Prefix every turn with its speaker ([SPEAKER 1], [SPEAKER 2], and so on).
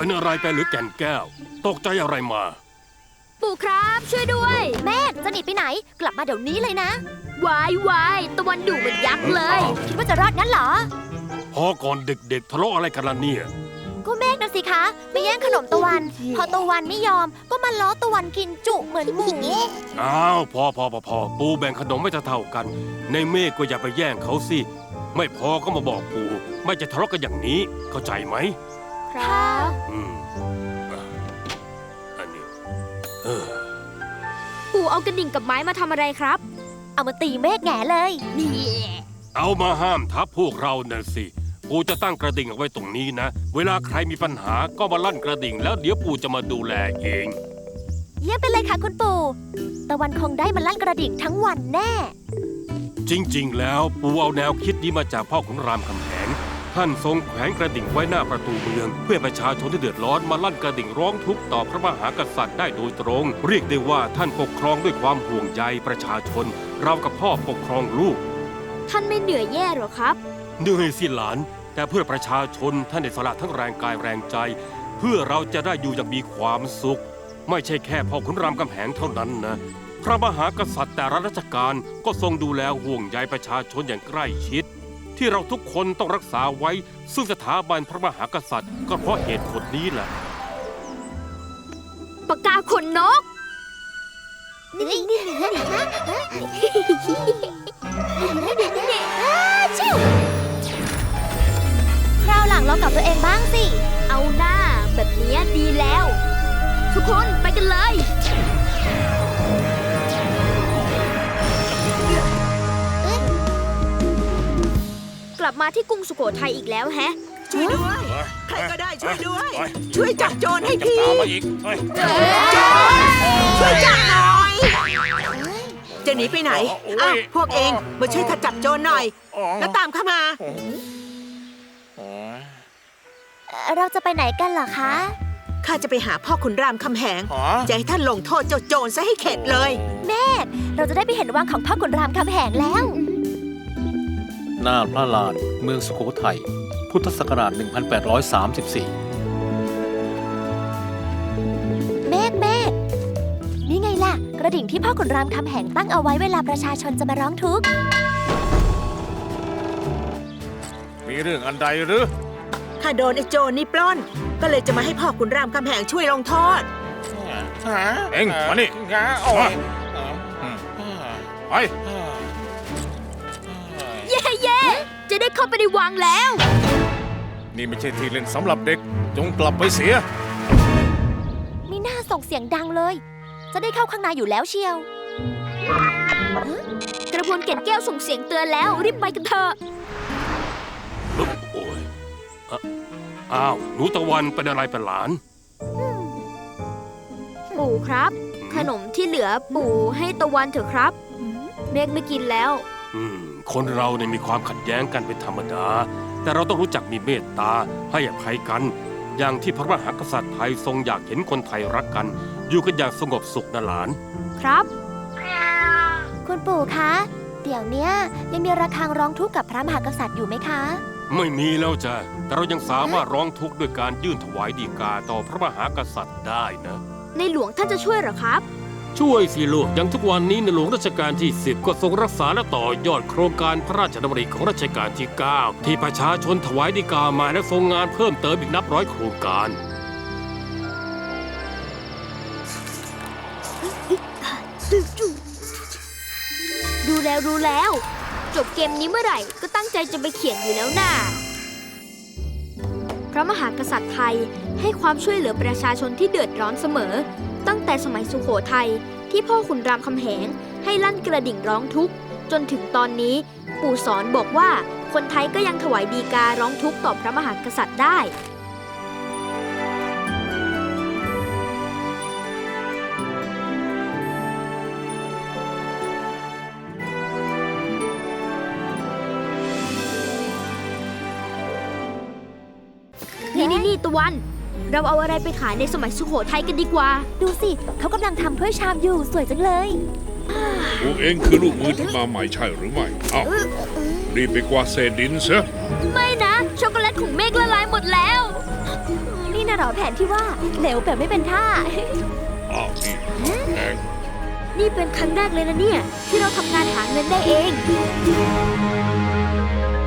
[SPEAKER 1] เป็นอะไรไปหรือแก่นแก้วตกใจอะไรมา
[SPEAKER 2] ปู่ครับช่วยด้วย
[SPEAKER 3] แม่จะหนีไปไหนกลับมาเดี๋ยวนี้เลยนะ
[SPEAKER 2] วาตะวันดุเหมือนยักษ์เลย
[SPEAKER 3] คิดว่าจะรอดงั้นเหรอ
[SPEAKER 1] พอก่อนเด็กๆทะเลาะอะไรกันล่ะเนี่ย
[SPEAKER 3] ก็เมฆนะสิคะไปแย่งขนมตะวันพอตะวันไม่ยอมก็มาล้อตะวันกินจุเหมือนหมู
[SPEAKER 1] อ้าวพอปูแบ่งขนมไม่เท่ากันในเมฆก็อย่าไปแย่งเขาสิไม่พอก็มาบอกปูไม่จะทะเลาะกันอย่างนี้เข้าใจไหม
[SPEAKER 3] ครับ
[SPEAKER 1] อันนี้
[SPEAKER 2] ปู่เอากระดิ่งกับไม้มาทำอะไรครับ
[SPEAKER 3] เอามาตีเมฆแง่เลย
[SPEAKER 2] นี่
[SPEAKER 1] เอามาห้ามทับพวกเราน่ะสิปู่จะตั้งกระดิ่งเอาไว้ตรงนี้นะเวลาใครมีปัญหาก็มาลั่นกระดิ่งแล้วเดี๋ยวปู่จะมาดูแลเอง
[SPEAKER 3] เยี่ยมไปเลยค่ะคุณปู่ตะวันคงได้มาลั่นกระดิ่งทั้งวันแน่
[SPEAKER 1] จริงๆแล้วปู่เอาแนวคิดนี้มาจากพ่อขุนรามคำแหงท่านทรงแขวนกระดิ่งไว้หน้าประตูเมืองเพื่อประชาชนที่เดือดร้อนมาลั่นกระดิ่งร้องทุกข์ต่อพระมหากษัตริย์ได้โดยตรงเรียกได้ว่าท่านปกครองด้วยความห่วงใยประชาชนเรากับพ่อปกครองลูก
[SPEAKER 2] ท่านไม่เหนื่อยแย่หรอครับ
[SPEAKER 1] เหนื่อยสิหลานแต่เพื่อประชาชนท่านได้สละทั้งแรงกายแรงใจเพื่อเราจะได้อยู่อย่างมีความสุขไม่ใช่แค่พ่อขุนรามคำแหงเท่านั้นนะพระมหากษัตริย์แต่ละราชการก็ทรงดูแลห่วงใยประชาชนอย่างใกล้ชิดที่เราทุกคนต้องรักษาไว้ซึ่งสถาบันพระมหากษัตริย์ก็เพราะเหตุผลนี้แหละ
[SPEAKER 2] ปากกาขนนก
[SPEAKER 3] คราวหลังลองกับตัวเองบ้างสิ
[SPEAKER 2] เอาหน้าแบบนี้ดีแล้วทุกคนไปกันเลยกลับมาที่กรุงสุโขทัยอีกแล้วแฮะ
[SPEAKER 4] ช่วยด้วยใครก็ได้ช่วยด้วยช่วยจับโจรให้ทีช่วยจับหน่อยจะหนีไปไหนอ้าวพวกเองมาช่วยขจับโจรหน่อยแล้วตามเข้ามา
[SPEAKER 3] เราจะไปไหนกันเหรอคะ
[SPEAKER 4] ข้าจะไปหาพ่อขุนรามคำแหงจะให้ท่านลงโทษเจ้าโจรซะให้เข็ดเลย
[SPEAKER 3] แม่เราจะได้ไปเห็นวังของพ่อขุนรามคำแหงแล้ว
[SPEAKER 5] หน้าพระลานเมืองสุโขทัยพุทธศักราช 1834
[SPEAKER 3] เมฆนี่ไงล่ะกระดิ่งที่พ่อขุนรามคำแหงตั้งเอาไว้เวลาประชาชนจะมาร้องทุกข์
[SPEAKER 6] มีเรื่องอันใดหรือ
[SPEAKER 4] ข้าโดนไอ้โจรนี่ปล้นก็เลยจะมาให้พ่อขุนรามคำแหงช่วยลงโทษ
[SPEAKER 6] เอ็งมานี่ไป
[SPEAKER 2] เย่จะได้เข้าไปในวังแล้ว
[SPEAKER 6] นี่ไม่ใช่ที่เล่นสำหรับเด็กจงกลับไปเสีย
[SPEAKER 3] มีหน้าส่งเสียงดังเลยจะได้เข้าข้างในอยู่แล้วเชียว
[SPEAKER 2] กระพวนแก่นแก้วส่งเสียงเตือนแล้วรีบไปกันเถอะ
[SPEAKER 1] โอ้ยอ้าวหนูตะวันเป็นอะไรเป็นหลาน
[SPEAKER 2] ปู่ครับขนมที่เหลือปู่ให้ตะวันเถอะครับเมฆไม่กินแล้ว
[SPEAKER 1] คนเราเนี่ยมีความขัดแย้งกันเป็นธรรมดาแต่เราต้องรู้จักมีเมตตาให้อภัยกันอย่างที่พระมหากษัตริย์ไทยทรงอยากเห็นคนไทยรักกันอยู่กันอย่างสงบสุขนะหลาน
[SPEAKER 2] ครับ
[SPEAKER 3] คุณปู่คะเดี๋ยวนี้ยังมีระฆังร้องทุกข์กับพระมหากษัตริย์อยู่ไหมคะ
[SPEAKER 1] ไม่มีแล้วจ้ะแต่เรายังสามารถร้องทุกข์ด้วยการยื่นถวายฎีกาต่อพระมหากษัตริย์ได้นะ
[SPEAKER 2] ในหลวงท่านจะช่วยหรอครับ
[SPEAKER 1] ช่วยสิลูกอย่างทุกวันนี้ในหลวงรัชกาลที่10ก็ทรงรักษาและต่อยอดโครงการพระราชดำริของรัชกาลที่9ที่ประชาชนถวายฎีกามาและทรงงานเพิ่มเติมอีกนับร้อยโครงการ
[SPEAKER 2] ดูแล้วจบเกมนี้เมื่อไหร่ก็ตั้งใจจะไปเขียนอยู่แล้วน่ะพระมหากษัตริย์ไทยให้ความช่วยเหลือประชาชนที่เดือดร้อนเสมอตั้งแต่สมัยสุโขทัยที่พ่อขุนรามคำแหงให้ลั่นกระดิ่งร้องทุกข์จนถึงตอนนี้ปู่สอนบอกว่าคนไทยก็ยังถวายฎีการ้องทุกข์ต่อพระมหากษัตริย์ได้นี่ตะวันเราเอาอะไรไปขายในสมัยสุโขทัยกันดีกว่า
[SPEAKER 3] ดูสิเขากำลังทำถ้วยชามอยู่สวยจังเลย
[SPEAKER 7] พวกเองคือลูกมือที่มาใหม่ใช่หรือไม่อ้าวรีบไปกวาดเศษดินซะ
[SPEAKER 2] ไม่นะช็อกโกแลตของเมฆละลายหมดแล้ว
[SPEAKER 3] นี่น่ะเหรอแผนที่ว่าเหลวแบบไม่เป็นท่า
[SPEAKER 7] อ้าวนี่แพง
[SPEAKER 2] นี่เป็นครั้งแรกเลยนะเนี่ย ที่เราทำงานหาเงินได้เอง